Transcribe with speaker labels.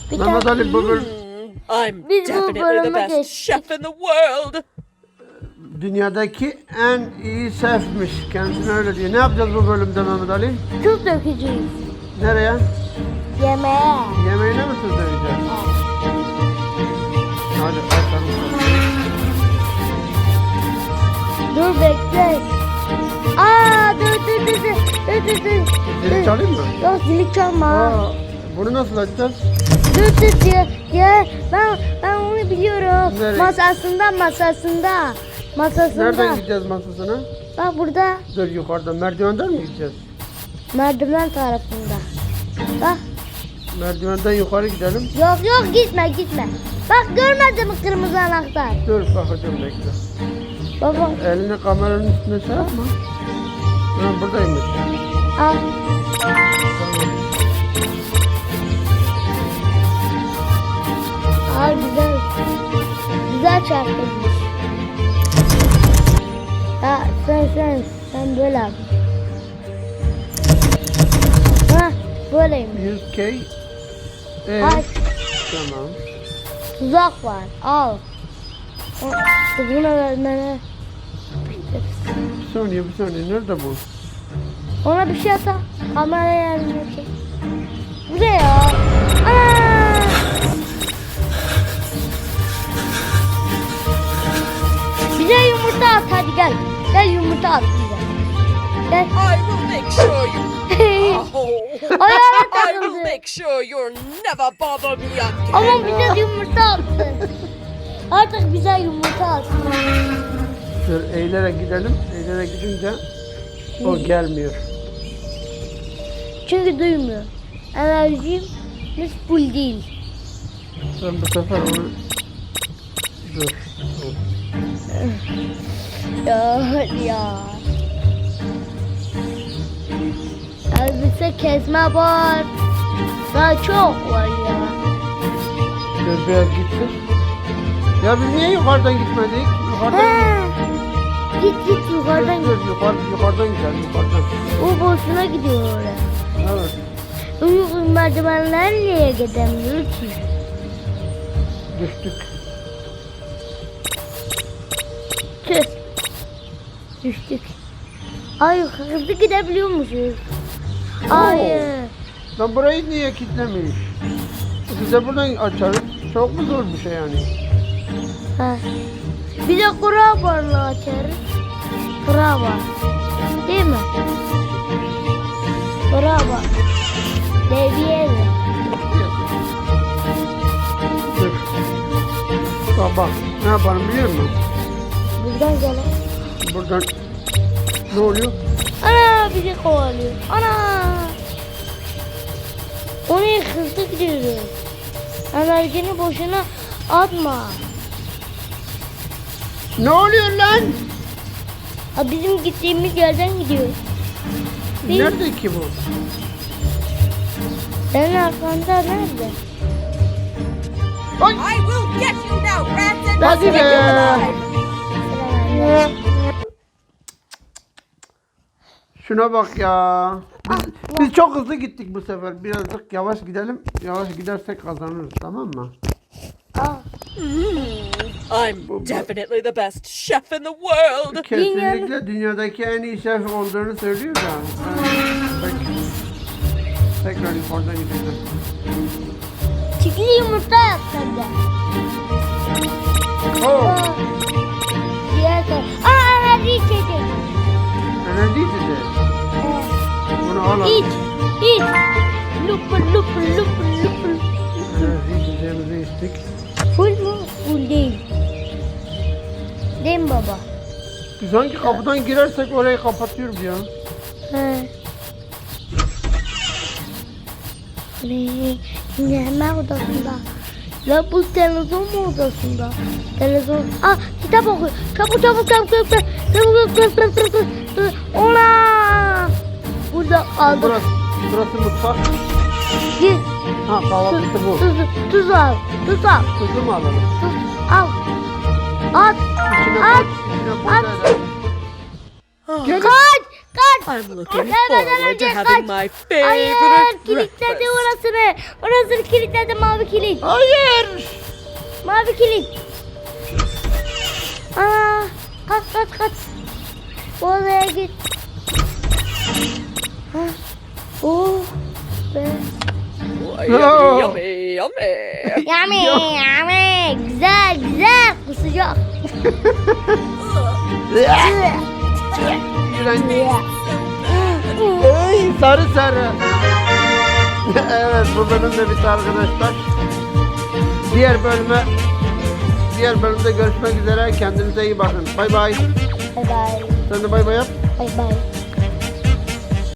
Speaker 1: Bir
Speaker 2: Mehmet
Speaker 1: tane
Speaker 2: Ali bu bölüm
Speaker 3: I'm
Speaker 1: Biz bu
Speaker 3: definitely the
Speaker 1: bölüme
Speaker 3: best
Speaker 1: geçtik.
Speaker 3: chef in the world.
Speaker 2: dünyadaki en iyi şefmiş. Kendisine öyle diyor. Ne yapacağız bu bölümde Mehmet Ali?
Speaker 1: tuz dökeceğiz.
Speaker 2: Nereye?
Speaker 1: Yemeğe.
Speaker 2: Yemeğine mi tuz dökeceğiz? Hadi açalım.
Speaker 1: Dur bekle. Dur.
Speaker 2: Zili çalayım mı?
Speaker 1: Yok zili çalma.
Speaker 2: Aa, bunu nasıl açacağız?
Speaker 1: Dur diye. Ben onu biliyorum.
Speaker 2: Nereye?
Speaker 1: Masasında.
Speaker 2: Nereden gideceğiz masasına?
Speaker 1: Bak burada
Speaker 2: Dur yukarıdan. Merdivenden mi gideceğiz?
Speaker 1: merdiven tarafında. Bak.
Speaker 2: Merdivenden yukarı gidelim.
Speaker 1: Yok gitme. Bak görmedin mi kırmızı anahtar?
Speaker 2: Dur bakacağım bekle.
Speaker 1: Baba
Speaker 2: Elini kameranın üstüne şey yapma. Ha, buradaymış.
Speaker 1: al.
Speaker 2: Tamam.
Speaker 1: Al güzel. Güzel çarpılmış. Ya sen böyle yap. Ha böyleymiş.
Speaker 2: 100K.
Speaker 1: Ay
Speaker 2: Tamam.
Speaker 1: tuzak var. Al. Bunu vermene.
Speaker 2: Bir saniye. Nerede bu?
Speaker 1: Ona bir şey ata. Kameraya yardım edecek. Bu ne ya? Ana! Bize yumurta at hadi gel. Gel yumurta at bize. Gel.
Speaker 3: I will make sure you. Oh,
Speaker 1: Ayağına
Speaker 3: I will
Speaker 1: takıldı.
Speaker 3: make sure you'll never bother me again.
Speaker 1: Ama bize yumurta attı. Artık bize yumurta attı.
Speaker 2: Dur eğilerek gidelim. Eğilerek gidince o gelmiyor.
Speaker 1: Çünkü duymuyor. Enerjimiz full değil.
Speaker 2: Ben bu sefer onu... Dur.
Speaker 1: Ya hadi ya. Elbise kesme var. Daha çok var ya.
Speaker 2: Dur biraz gitsin. Ya biz niye yukarıdan gitmedik? Yukarıdan
Speaker 1: He. Git yukarıdan git.
Speaker 2: Dur, yukarıdan gidelim yukarıdan.
Speaker 1: O boşuna gidiyor oraya.
Speaker 2: Evet.
Speaker 1: Uygun merdivenler niye gidemiyor ki?
Speaker 2: Düştük.
Speaker 1: Tüh. Düştük. Ay hızlı gidebiliyormuşuz. Hayır.
Speaker 2: Lan burayı niye kilitlemiş? Biz de buradan açarız. Çok mu zor bir şey yani?
Speaker 1: Ha. Bir de kura barla açarız. Kura var. Değil mi? Kura var. Deviye mi?
Speaker 2: Dur. Bak ne yaparım biliyor musun?
Speaker 1: Buradan gelen.
Speaker 2: Buradan ne oluyor?
Speaker 1: Ana bizi kovalıyor. Ana. Oraya hızlı gidiyoruz. Enerjini boşuna atma.
Speaker 2: Ne oluyor lan?
Speaker 1: Ha, bizim gittiğimiz yerden gidiyoruz. Biz-
Speaker 2: Nerede ki bu?
Speaker 1: Senin arkanda nerede?
Speaker 2: Ay!
Speaker 3: I will get you now, rats and
Speaker 2: Hadi be! Şuna bak ya. Biz çok hızlı gittik bu sefer. Birazcık yavaş gidelim. Yavaş gidersek kazanırız, tamam mı?
Speaker 1: Aa,
Speaker 3: I'm definitely the best chef in the world.
Speaker 2: Kesinlikle dünyadaki en iyi şef olduğunu söylüyor da. Bak. Tekrar yukarıdan gideceğim.
Speaker 1: çikli yumurta yap sen de.
Speaker 2: Oo,
Speaker 1: Diğer taraf. Enerji içecek.
Speaker 2: enerji içeceği. Bunu al al.
Speaker 1: İç. Lupur.
Speaker 2: Enerji içeceğimizi içtik.
Speaker 1: Full mu? Full değil. Değil mi baba?
Speaker 2: Biz hangi kapıdan girersek orayı kapatıyoruz ya.
Speaker 1: He. Şimdi hemen odasında. Ya bu televizyon mu odasında? Televizyon. Kitap oku. Çabuk. Ona. Burada aldım.
Speaker 2: Burası mutfak.
Speaker 1: Git.
Speaker 2: Ha kahvaltısı bu.
Speaker 1: Tuz al.
Speaker 2: Tuzu mu alalım?
Speaker 1: Tuz al. At.
Speaker 2: İçine
Speaker 1: At.
Speaker 2: koy. İçine koy.
Speaker 1: At.
Speaker 2: Gelin.
Speaker 1: Kaç.
Speaker 3: I'm looking
Speaker 1: Gelmeden
Speaker 3: forward
Speaker 1: önce
Speaker 3: to having
Speaker 1: kaç.
Speaker 3: my
Speaker 1: Hayır,
Speaker 3: favorite
Speaker 1: kilitledi
Speaker 3: breakfast.
Speaker 1: orasını. Orasını kilitledi, mavi kilit.
Speaker 2: Hayır.
Speaker 1: Mavi kilit. Aa, kaç. Oraya git. Ha. Oh be.
Speaker 3: Oh, yummy, yummy, yummy.
Speaker 1: Yummy. Güzel. Kusacak.
Speaker 2: İğrenç. Ey sarı. Evet, bu bölüm de bitti arkadaşlar. Diğer bölümde görüşmek üzere. Kendinize iyi bakın. Bay bay.
Speaker 1: Bye bye.
Speaker 2: Sen de bay bay yap.
Speaker 1: Bye bye.